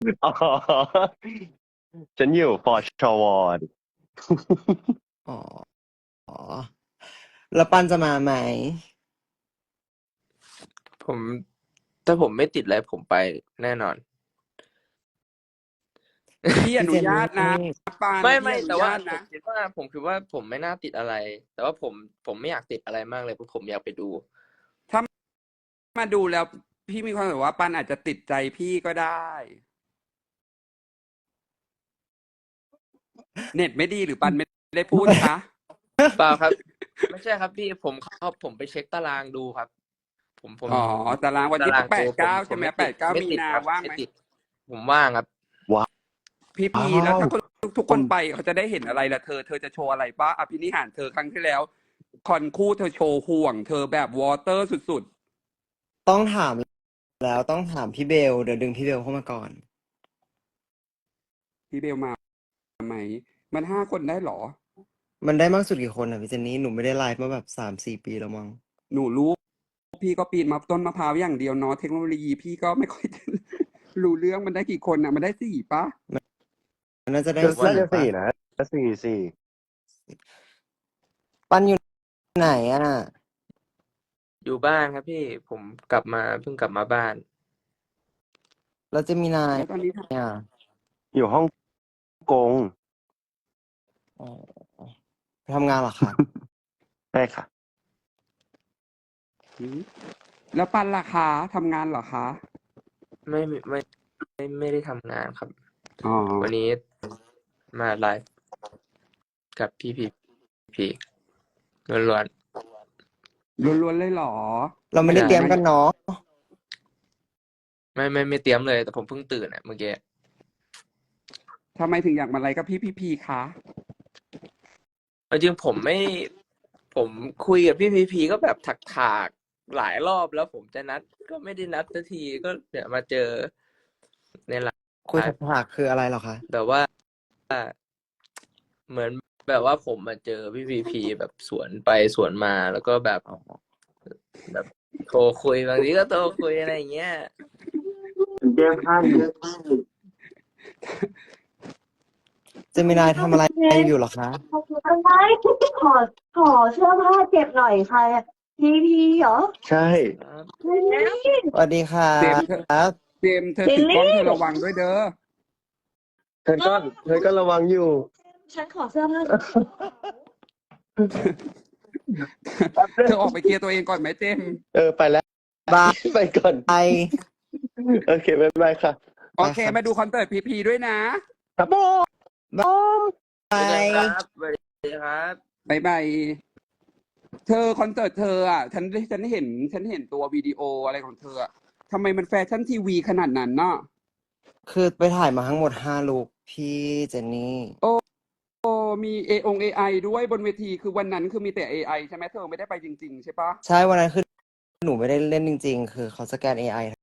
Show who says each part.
Speaker 1: อ๋อฉันอยู่ปชวดิ
Speaker 2: อ๋ออ๋อแล้วปันจะมาไหม
Speaker 3: ผมถ้าผมไม่ติดอะไรผมไปแน่นอน
Speaker 4: พี่อนุ
Speaker 2: พี่เจนนี่
Speaker 4: ญาตนะปาน
Speaker 3: ไม่
Speaker 4: พี่อนุ
Speaker 3: แต่ว่า
Speaker 4: ญาตนะ
Speaker 3: ผมคิดว่าผมไม่น่าติดอะไร แต่ว่าผมไม่อยากติดอะไรมากเลยเพราะผมอยากไปดู
Speaker 4: ถ้ามาดูแล้วพี่มีความรู้สึกว่าปานอาจจะติดใจพี่ก็ได้ เน็ตไม่ดีหรือปันไม่ได้พูดคะ
Speaker 3: เปล่าครับ ไม่ใช่ครับพี่ผมไปเช็คตารางดูครับ ผม
Speaker 4: อ๋อตารางวันที่
Speaker 3: ตารางดูผม
Speaker 4: 8-9ใช่ไหม
Speaker 3: ไม่ติด
Speaker 4: 8-9
Speaker 3: ไม่
Speaker 4: มีนา
Speaker 3: ติดครับ
Speaker 4: ว่างไหม
Speaker 3: ไม่ติด ผมว่างครับ
Speaker 1: ว้า
Speaker 4: พี่แล้วถ้าคนทุกคนไปเขาจะได้เห็นอะไรล่ะเธอจะโชว์อะไรป้าอภินิหารเธอครั้งที่แล้วคอนคู่เธอโชว์ห่วง เธอแบบวอเตอร์สุด
Speaker 2: ต้องถามแล้วต้องถามพี่เบลเดี๋ยวดึงพี่เบลเข้ามาก่อน
Speaker 4: ๆพี่เบลมาไหม มัน5 คนได้เหรอ
Speaker 2: มันได้มากสุดกี่คนอ่ะพี่เจนนี่หนูไม่ได้ไลฟ์มาแบบ3-4 ปีแล้วมั้ง
Speaker 4: หนูรู้พี่ก็ปีนมาต้นมะพร้าวอย่างเดียวเนาะเทคโนโลยีพี่ก็ไม่ค่อยจะ รู้เรื่องมันได้กี่คนอ่ะมันได้4ปะ
Speaker 2: มันน่าจะได้
Speaker 1: น่าจะ
Speaker 2: ปะ
Speaker 1: 4นะสี่
Speaker 2: ปันอยู่ไหนอ่ะ
Speaker 3: อยู่บ้านครับพี่ผมเพิ่งกลับมาบ้าน
Speaker 2: แล้วจะมีนาย
Speaker 4: แล้วตอนนี้
Speaker 2: อ่ะ
Speaker 1: อยู่ฮ่องกง
Speaker 2: อ๋อไปทำงานเหรอคะ
Speaker 1: ใช่ค่ะ
Speaker 4: หืมแล้วปันล่ะคะทำงานเหรอคะ
Speaker 3: ไม่ได้ทำงานครับ
Speaker 4: อ๋อ
Speaker 3: วันนี้มาไลฟ์กับพี่ล้วน
Speaker 4: ล้วนๆเลยเหรอ
Speaker 2: เราไม่ได้เตรียมกันเนาะ
Speaker 3: ๆไม่เตรียมเลย แต่ผมเพิ่งตื่นเมื่อกี้
Speaker 4: ทำไมถึงอยากมาไลฟ์กับพี่คะ
Speaker 3: เอาจริงผมคุยกับพี่พีก็แบบถากหลายรอบแล้วผมจะนัดก็ไม่ได้นัดสักทีก็เดี๋ยวมาเจอในไล
Speaker 2: คุย
Speaker 3: ฟ์
Speaker 2: ถักๆคืออะไรเหรอคะ
Speaker 3: แบบว่าเหมือนแบบว่าผมมาเจอพี่พีแบบสวนไปสวนมาแล้วก็แบบโทรคุยบางทีก็โทรคุยอะไรอย่างเงี้ย
Speaker 1: เกมท่าน
Speaker 2: จะมีนายทำอะไรอยู่เหรอคะ
Speaker 5: อะไรขอเสื้อผ้าเจ็บหน่อยใครอะพีเหรอ
Speaker 1: ใช่
Speaker 5: ไม่ใช่
Speaker 2: สวัสดีครั
Speaker 4: เจมส์เธอ
Speaker 2: บ
Speaker 4: เจมส์เธอถือกล้องเธอระวังด้วยเด้อ
Speaker 1: เธอก็ระวังอยู่
Speaker 5: ฉันขอเสื้อผ้า
Speaker 4: เธอออกไปเคลียร์ตัวเองก่อนไหมเจมส์
Speaker 1: ไปแล้ว
Speaker 2: บาย
Speaker 1: ไปก่อน
Speaker 2: ไป
Speaker 1: โอเคบ๊ายบายค่ะ
Speaker 4: โอเค มาดูคอนเสิร์ตพีด้วยนะ
Speaker 1: ครับผม
Speaker 2: ไป
Speaker 3: เจอกันครับสวัสดีครับ
Speaker 4: บายบายเธอคอนเสิร์ตเธออ่ะฉันเห็นตัววิดีโออะไรของเธออะทำไมมันแฟชั่นทีวีขนาดนั้นน่ะ
Speaker 2: คือไปถ่ายมาทั้งหมด5 ลุคพี่เจนนี่
Speaker 4: โอ้มีAI ด้วยบนเวทีคือวันนั้นคือมีแต่ AI ใช่ไหมเธอไม่ได้ไปจริงๆใช่ปะ
Speaker 2: ใช่วันนั้นคือหนูไม่ได้เล่นจริงๆ คือเขาสแกน AI